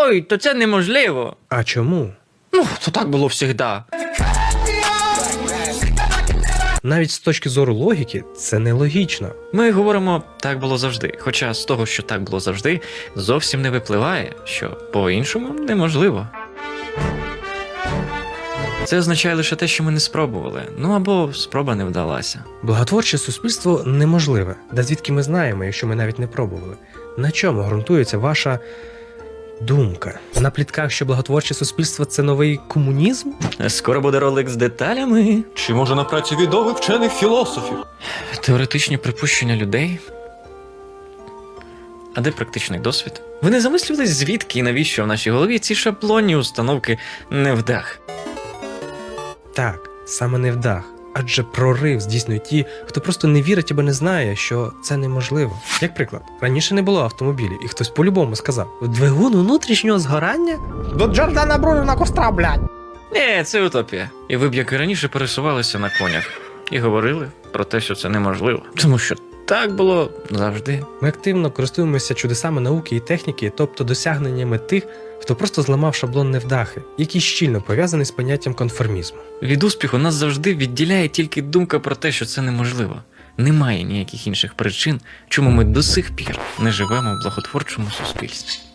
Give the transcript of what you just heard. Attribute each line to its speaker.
Speaker 1: ой, то це неможливо.
Speaker 2: А чому?
Speaker 1: Ну, то так було завжди.
Speaker 2: Навіть з точки зору логіки, це нелогічно.
Speaker 1: Ми говоримо «так було завжди», хоча з того, що так було завжди, зовсім не випливає, що по-іншому неможливо. Це означає лише те, що ми не спробували, ну або спроба не вдалася.
Speaker 2: Благотворче суспільство неможливе. Да звідки ми знаємо, якщо ми навіть не пробували? На чому ґрунтується ваша думка? На плітках, що благотворче суспільство – це новий комунізм?
Speaker 1: Скоро буде ролик з деталями.
Speaker 3: Чи може на праці відомих вчених філософів?
Speaker 1: Теоретичні припущення людей. А де практичний досвід? Ви не замислювались, звідки і навіщо в нашій голові ці шаблонні установки невдах?
Speaker 2: Так, саме не вдах. Адже прорив здійснюють ті, хто просто не вірить або не знає, що це неможливо. Як приклад, раніше не було автомобілів, і хтось по-любому сказав: двигун внутрішнього згорання? До Джордана Бруно костра, блядь!
Speaker 1: Ні, це утопія. І ви б, як і раніше, пересувалися на конях. І говорили про те, що це неможливо. Тому що так було завжди.
Speaker 2: Ми активно користуємося чудесами науки і техніки, тобто досягненнями тих, хто просто зламав шаблон невдахи, який щільно пов'язаний з поняттям конформізму.
Speaker 1: Від успіху нас завжди відділяє тільки думка про те, що це неможливо. Немає ніяких інших причин, чому ми до сих пір не живемо в благотворчому суспільстві.